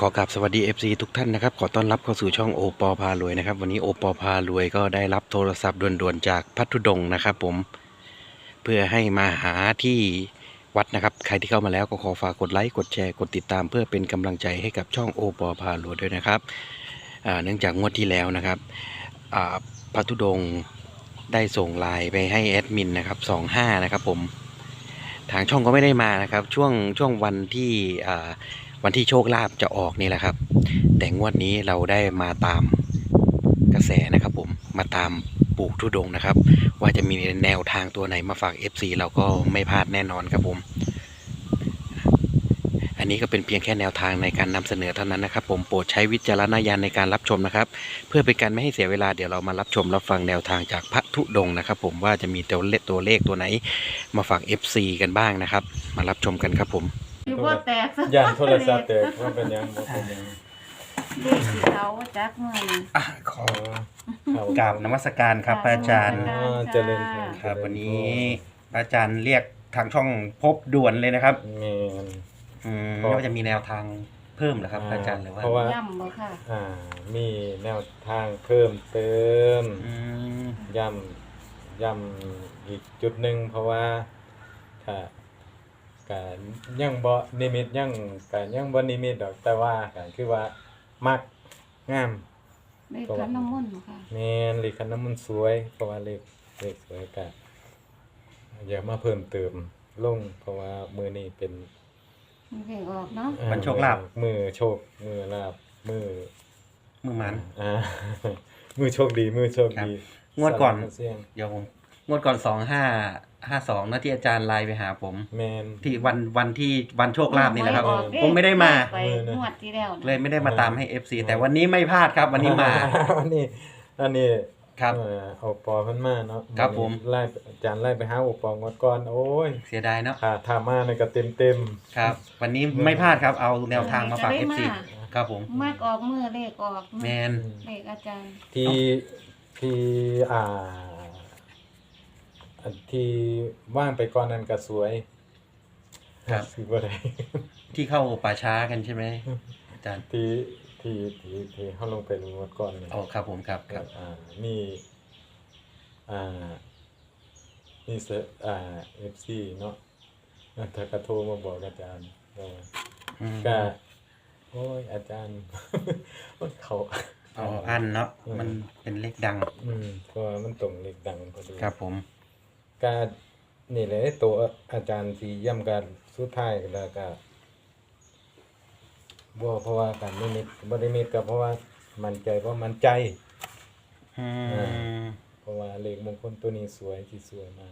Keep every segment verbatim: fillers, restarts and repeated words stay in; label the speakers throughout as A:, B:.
A: ขอกราบสวัสดี เอฟ ซี ทุกท่านนะครับขอต้อนรับเข้าสู่ช่องโอปอพารวยนะครับวันนี้โอปอพารวยก็ได้รับโทรศัพท์ด่วนๆจากพัทธุดงค์นะครับผมเพื่อให้มาหาที่วัดนะครับใครที่เข้ามาแล้วก็ขอฝากกดไลค์กดแชร์กดติดตามเพื่อเป็นกำลังใจให้กับช่องโอปอพารวยด้วยนะครับอ่าเนื่องจากงวดที่แล้วนะครับอ่าพัทธุดงค์ได้ส่งไลน์ไปให้แอดมินนะครับสองห้านะครับผมทางช่องก็ไม่ได้มานะครับช่วงช่วงวันที่อ่าวันที่โชคลาภจะออกนี่แหละครับแต่งวดนี้เราได้มาตามกระแสนะครับผมมาตามปู่ธุดงค์นะครับว่าจะมีแนวทางตัวไหนมาฝาก เอฟ ซี เราก็ไม่พลาดแน่นอนครับผมอันนี้ก็เป็นเพียงแค่แนวทางในการนำเสนอเท่านั้นนะครับผมโปรดใช้วิจารณญาณในการรับชมนะครับเพื่อเป็นการไม่ให้เสียเวลาเดี๋ยวเรามารับชมรับฟังแนวทางจากพระธุดงค์นะครับผมว่าจะมีตัวเลขตัวเลขตัวไหนมาฝาก เอฟ ซี กันบ้างนะครับมารับชมกันครับผม
B: อยู่บ่แตกสัก
C: ย่านโทรศัพท์แตกว่าเป็นหยังบ่เป็นหยัง
B: เลขที่เขาจักมื้อนี้
A: อ่ะขอ
C: เขา
A: กราบนมัสการครับพระอาจารย์
C: อ๋อเจริญพร
A: ครับวันนี้พระอาจารย์เรียกทางช่องพบด่วนเลยนะครับ
C: แม่น
A: อืม
C: เพราะ
A: ว่าจะมีแนวทางเพิ่มเหรอครับพระอาจารย์หรือว่า
C: เพราะว่า
B: ย่ำบ่ค่ะ
C: อ่ามีแนวทางเพิ่มเติม
A: อืม
C: ย่ำย่ำอีกจุดหนึ่งเพราะว่าถ้าการยังบ่นิมิตยังการยังบ่นิมิตดอกแต่ว่าการคือว่ามักงาม
B: เลขขันน้ำมนต์บ่ค่ะ
C: แม่นเลขคันน้ำมันต์สวยเพราะว่าเลขเลขสวยก็อยากมาเพิ่มเติมลงเพราะว่ามื้อนี้เป็น
B: มันเลขออกเนาะ
C: อ่า
A: วันโชคลาภ
C: มือโชคมือลาบมือ
A: มือมัน
C: อ่า มือโชคดีมือโชคดี
A: ครับงวดก่อน
C: สลับเสียง
A: เดี๋ยวผมงวดก่อนสองห้าห้าสองนะที่อาจารย์ไลน์ไปหาผม
C: แมน
A: ที่วันวันที่วันโชคลาภนี่แหละครับ
B: ออกเด้
A: ผมไม่ได้มา
B: ไปงวดที่แล้วนะ
A: เลยไม่ได้มาตามให้ เอฟ ซี แต่วันนี้ไม่พลาดครับ วันนี้มา
C: อันนี้อันนี้
A: ครับ
C: เอ่อเอาปอเพิ่นมาเนาะ
A: ครับผม
C: ไล่อาจารย์ไล่ไปหาอุปองวดก่อนโอ้ย
A: เสียดายเนาะ
C: ค่ะทามาในก็เต็มเต็ม
A: ครับ วันนี้ไม่พลาดครับเอาแนวทางมาฝาก เอฟ ซี ครับผม
B: มากออกมือเลขออก
A: แมน
B: เลขอาจารย์
C: ๆที่ที่อ่าอันที่ว่างไปก่อนนั้นก็สวย
A: ครับ
C: สิบ่ได้
A: ที่เข้าป่าช้ากันใช่ไหมอาจารย์
C: ที่ที่ที่ที่เขาลงไปลงวัดก่อนเนี่ย
A: อ๋อครับผมครับครับ
C: อ่ามีอ่ามีเซอ่าเอฟซีเนาะแล้วถ้ากระโทรมาบอกอาจารย์ว่า
A: อืม
C: ก็โอ้ยอาจารย์ เขา
A: อ๋ออันเนาะมันเป็นเลขดัง
C: อืมเพราะว่ามันตรงเลขดังพอดี
A: ครับผม
C: ก็นี่แหละตัวอาจารย์ที่ย่ำการสุดท้ายแล้วก็บ่เพราะว่าการนิมิตบ่ได้มิตก็เพราะว่ามั่นใจเพราะมั่นใจ
A: อืม
C: เพราะว่าเลขมงคลตัวนี้สวยที่สวยมาก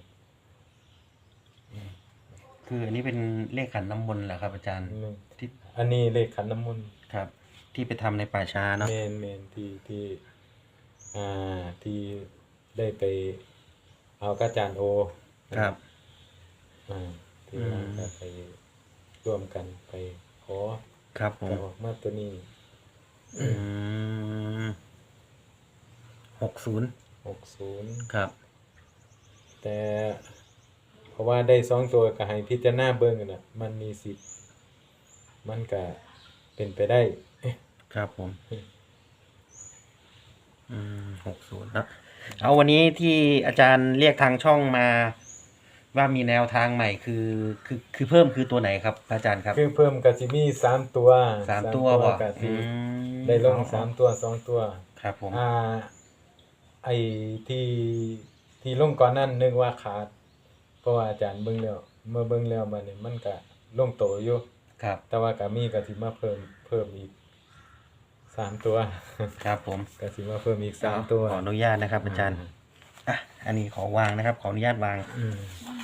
A: คืออันนี้เป็นเลขขันน้ำมนต์เหรอครับอาจารย์
C: หนึ่ง
A: ที่
C: อันนี้เลขขันน้ำมนต์
A: ครับ ที่ไปทำในป่าช้าเนาะ
C: เมนเมนที่ที่อ่าที่ได้ไปเอากบอาจารย์โอ
A: ครับ
C: อ่าที่
A: อืม
C: ว่าก็ไปร่วมกันไปขอ
A: ครับผม
C: แต่ออกมาตัวนี้
A: อืมหกศูนย์
C: หกศูนย์
A: ครับ
C: แต่เพราะว่าได้สองตัวก็ให้พิจารณาเบิ่งกันน่ะมันมีสิทธิ์มันก็เป็นไปได้
A: ครับผมอืมหกศูนย์นะเอาวันนี้ที่อาจารย์เรียกทางช่องมา ว่ามีแนวทางใหม่คือ คือคือเพิ่มคือตัวไหนครับอาจารย์ครับ
C: คือเพิ่มก็สิมีสามตัว
A: สามตัวบ่
C: ก็สิ
A: อืม
C: ได้ลงสามตัวสองตัว
A: ครับผม
C: อ่าไอ้ที่ที่ลงก่อนนั้นนึกว่าขาด เพราะว่าอาจารย์เบิ่งแล้วเมื่อเบิ่งแล้วมันนี่มันก็ลงโตอยู่
A: ครับ
C: แต่ว่าก็มีก็สิมาเพิ่มเพิ่มอีกสามตัว
A: ครับผม
C: ก็สิมาเพิ่มอีกสามตัว
A: ขออนุญาตนะครับ อาจารย์อ่ะอันนี้ขอวางนะครับ ขออนุญาตวาง
C: อืม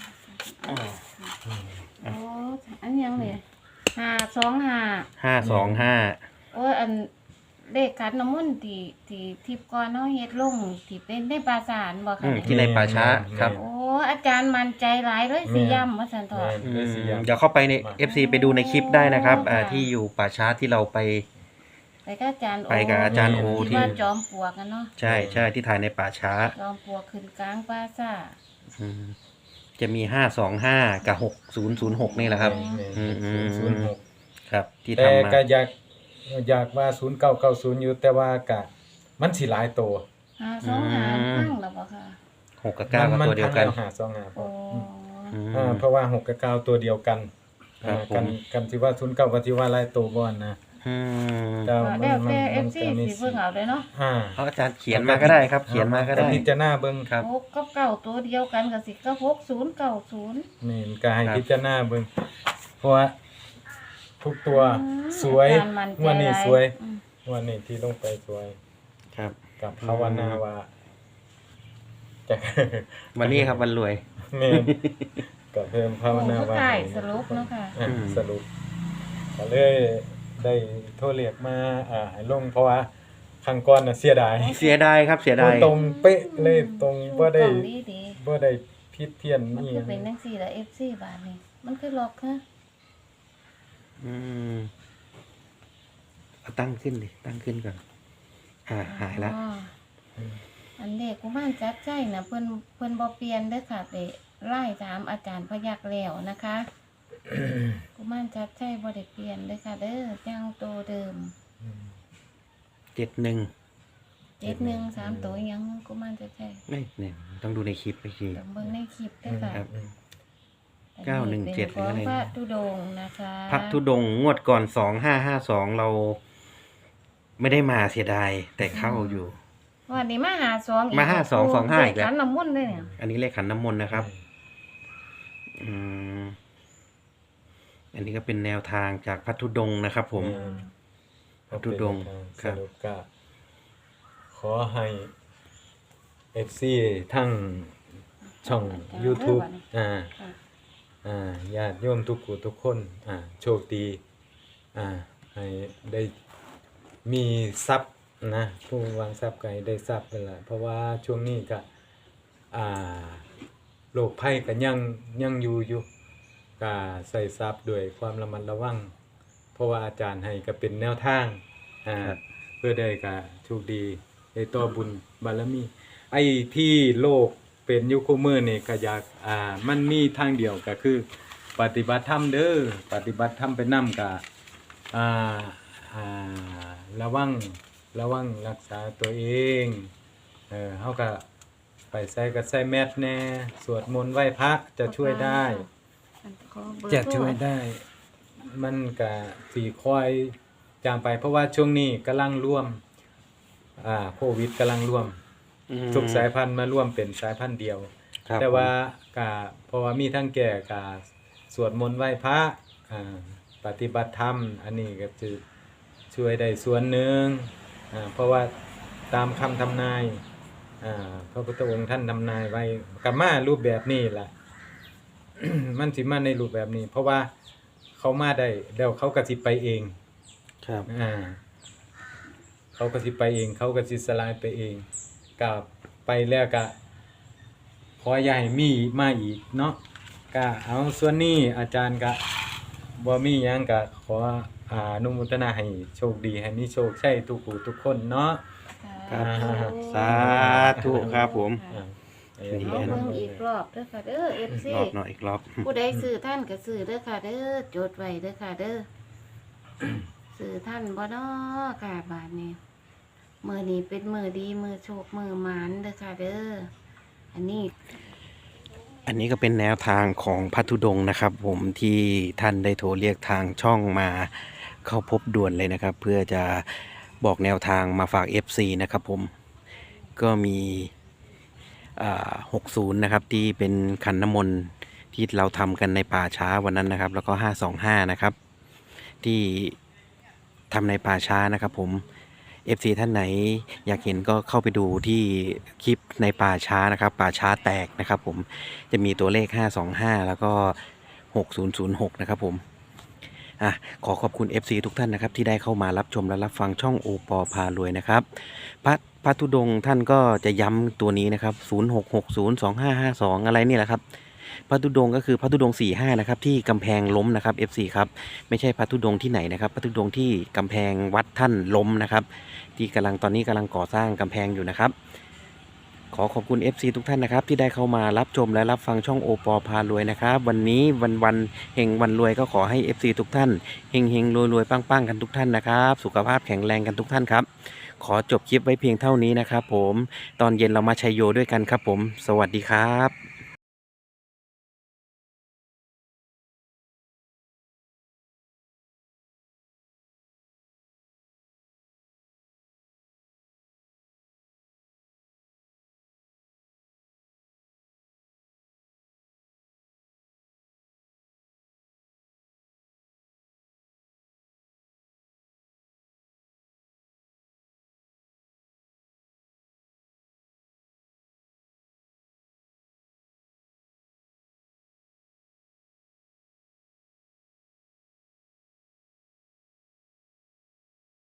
B: โอ้อันยังเลยห้าสองห้า
A: ห้าสองห้า
B: โอ้ยอันเลขขันน้ำมนต์ที่ที่ทิพย์ก่อนเนาะเฮ็ดลงที่เป็นได้ปราสานบ่
A: อื
B: ค่ะ
A: มที่ในป่าช้าครับ
B: โอ้อาจารย์มั่นใจหลายเลยสิย่ำว่าซั่นเถอะ
C: แม่น
A: อื
C: เลย
A: ม
C: สิอยาก
A: เดี๋ยวเข้าไปใน เอฟ ซี ไปดูในคลิปได้นะครับอ่า
B: ค่ะ
A: ที่อยู่ป่าช้าที่เราไป
B: ไปกับอาจารย์โอ
A: ไปกับอาจารย์โอ
B: ที่
A: ที่
B: ว่าจอมปลวกกันเนาะ
A: ใช่ใช่ที่ถ่ายในป่าช้า
B: จอมปลวกขึ้นกลางปราสาท
A: อืมจะมีห้าสองห้ากับหกศูนย์ศูนย์หกนี่แหละครับ
C: แม่น
A: อืมอืม
C: ศูนย์หก
A: ครับ ที่
C: แต่
A: ทำมา
C: ก็อยากอยากว่าศูนย์เก้าเก้าศูนย์อยู่แต่ว่ากะมันสิหลายตัว
B: หาสองหาพังแล้วบ่ค่ะ
A: หกกับเก้าก็ตัวเดียวกัน
C: มัพังแล้หาสองหาพ
B: โอ้
C: ออืม
A: อืม
C: อ่าเพราะว่าหกกับเก้าตัวเดียวกัน
A: ครับ
C: อ่า
A: ผม
C: กันกันที่ว่าศูนย์เก้ากับที่ว่าหลายตัวบ่อนนะ
A: อืม
C: แต่
B: ก็
C: มัน
B: แล้ว
C: มัน
B: แต่
C: มัน
B: เอฟซี
C: ก็มี
B: สิเบิ่งเอาเลยเนาะ
C: อ่า
A: เอาอาจารย์เขียนมาก็ได้ครับ เขียนมาก็ได้
C: พิจารณาเบิ่ง
A: ครับ
B: หกกับเก้าตัวเดียวกันก็สิก็หกศูนย์เก้าศูนย์
C: นี่ก็ให้
A: ครับ
C: พิจารณาเบิ่งเพราะว่าทุกตัว
B: อืม
C: สวย
B: อาจารย์มั่นใจ
C: งวันนี้
B: หลาย
C: สวย
B: อืม
C: งวันนี้ที่ลงไปสวย
A: ครับ
C: กับภาวนาว่าจะ
A: วันนี้ครับวันรวย
C: แม่นกับเพิ่มภาวนา
B: โอ้
C: ว่า
B: สุดท้ายสรุปเนาะค่ะ
C: อ่ะ
A: อืม
C: สรุปก็เลยได้โทรเรียกมาอ่าให้ลงเพราะว่าครั้งก่อนน่ะเสียดาย
A: เสียดายครับเสียดาย
C: ตรงเป๊ะเลยตรงบ่ได้
B: ตรงดีดี
C: บ่ได้ผิดเพี้ยน
B: มัน
C: นี่
B: คือเป็นจังซี่ละเอฟซีบาทนี่มันคือล็อกฮะ
A: อืมเอาตั้งขึ้นดิตั้งขึ้นก่อนอ่าหายละ
B: อ๋ออันเด็กกุมารจัดใจนะเพิ่นเพิ่นบ่เปลี่ยนเด้อค่ะไปไล่ถามอาจารย์พยักแล้วนะคะ กุมารจัดใจบ่ได้เปลี่ยนเด้อค่ะ เด้อยังโตเดิม
A: เจ็ดหนึ่ง
B: เจ็ดหนึ่งสามตัวยังกุมารจัดใจ
A: ไม่เนี่ยต้องดูในคลิปไปที
B: ต้องเบิ่งในคลิปเด้อค่ะ
A: ครับ
C: อืม
A: เก้าหนึ่งเจ็ด
B: อันนี้เป็นของ
A: หรืออะไร
B: พระธุดงค์นะคะ
A: พระธุดงค์งวดก่อนสองห้าห้าสองเรา ไม่ได้มาเสียดายแต่เข้าอยู่
B: วันนี้มาหาสอง
A: มาห้าสองสองห้าอีกแล้ว
B: ขันน้ำมนต์ด้วยเนี่ย
A: อันนี้เลขขันน้ำมนต์นะครับ อืม อันนี้ก็เป็นแนวทางจากพระธุดงค์นะครับผม
C: อืม
A: พระธุดงค์
C: ค
A: ครั
C: รับบ สรุปก็ขอให้ เอฟ ซี ทั้งช่อง YouTube อ่า
B: ค่ะ
C: อ่าญาติโยมทุกผู้ทุกคน อ่า โชคดี อ่า ให้ได้มีทรัพย์นะ ผู้วางทรัพย์ก็ให้ได้ทรัพย์นั่นแหละเพราะว่าช่วงนี้ก็อ่าโรคภัยก็ยังยังอยู่อยู่ก็ใส่ทรัพย์ด้วยความระมัดระวัง เพราะว่าอาจารย์ให้ก็เป็นแนวทาง อ่า
A: ครับ
C: เพื่อได้ก็โชคดีได้ต่อบุญบารมี ไอ้ที่โลกเป็นอยุคมือนี่ก็อยากอ่ามันมีทางเดียวก็คือ ปฏิบัติธรรมเด้อปฏิบัติธรรมไปนำก็อ่าอ่าระวังระวังรักษาตัวเองเออเฮาก็ไปใส่ก็ใส่แมสแน่สวดมนต์ไหว้พระจะช่วยได้
B: ขอเบอร์
C: จะ
B: โทร
C: ช่วยได้ มันก็สีคอยจางไป เพราะว่าช่วงนี้กำลังร่วมอ่าโควิดกำลังร่วม
A: อืม
C: ทุกสายพันธุ์มาร่วมเป็นสายพันธุ์เดียว
A: ครับ
C: แต่ว่ากาเพราะว่ามีทั้งแก่กาสวดมนต์ไหว้พระอ่าปฏิบัติธรรม อันนี้ก็จะช่วยได้ส่วนหนึ่งอ่าเพราะว่าตามคำทำนายอ่าพระพุทธองค์ท่านทำนายไว้กับมารูปแบบนี้แหละ มันสิมาในรูปแบบนี้ เพราะว่าเขามาได้เดี๋ยวเขาก็สิไปเอง
A: ครับ
C: อ่าเขาก็สิไปเอง เขาก็สิสลายไปเองกับไปแล้วก็ขออย่าให้มีมาอีกเนาะก็เอาส่วนนี้อาจารย์ก็บ่มีหยังก็ขออ่าอนุโมทนาให้โชคดีให้มีโชคใช่ทุกผู้ทุกคนเนาะ
A: ครับ
B: สาธุ
A: สาธุครับผม
C: อ่า
A: นี่
B: เอาเบิ่งอีกรอบเด้อค่ะเด้อ เอฟ ซี
A: รอบหน่อยอีกรอบ
B: ผู้ใดซื้อท่านก็ซื้อเด้อค่ะเด้อจดไว้เด้อค่ะเด้อ ซื้อท่านบ่น้อค่ะบาทนี้มื้อนี้เป็นมื้อดีมื้อโชคมื้อหมานเด้อค่ะเด้อ อันนี้
A: อันนี้ก็เป็นแนวทางของพัทธุดงค์นะครับ ผมที่ท่านได้โทรเรียกทางช่องมาเข้าพบด่วนเลยนะครับ เพื่อจะบอกแนวทางมาฝาก เอฟ ซี นะครับผมก็มีอ่าหกสิบนะครับที่เป็นขันน้ำมนต์ที่เราทำกันในป่าช้าวันนั้นนะครับ แล้วก็ห้าสองห้านะครับ ที่ทำในป่าช้านะครับผม เอฟ ซี ท่านไหนอยากเห็นก็เข้าไปดูที่คลิปในป่าช้านะครับ ป่าช้าแตกนะครับผมจะมีตัวเลขห้าสองห้าแล้วก็หกศูนย์ศูนย์หกนะครับผมอ่ะขอขอบคุณ เอฟ ซี ทุกท่านนะครับที่ได้เข้ามารับชมและรับฟังช่องโอปอพารวยนะครับพระพระธุดงค์ท่านก็จะย้ำตัวนี้นะครับศูนย์หกหกศูนย์สองห้าห้าสองอะไรนี่แหละครับพระธุดงค์ก็คือพระธุดงค์สี่ห้านะครับที่กำแพงล้มนะครับ เอฟ ซี ครับไม่ใช่พระธุดงค์ที่ไหนนะครับพระธุดงค์ที่กำแพงวัดท่านล้มนะครับที่กำลังตอนนี้กำลังก่อสร้างกำแพงอยู่นะครับขอขอบคุณ เอฟ ซี ทุกท่านนะครับที่ได้เข้ามารับชมและรับฟังช่องโอปอพารวยนะครับวันนี้วันวันเฮงวันรวยก็ขอให้ เอฟ ซี ทุกท่านเฮงเฮงรวยรวยปังปังกันทุกท่านนะครับสุขภาพแข็งแรงกันทุกท่านครับขอจบคลิปไว้เพียงเท่านี้นะครับผมตอนเย็นเรามาชัยโยด้วยกันครับผมสวัสดีครับ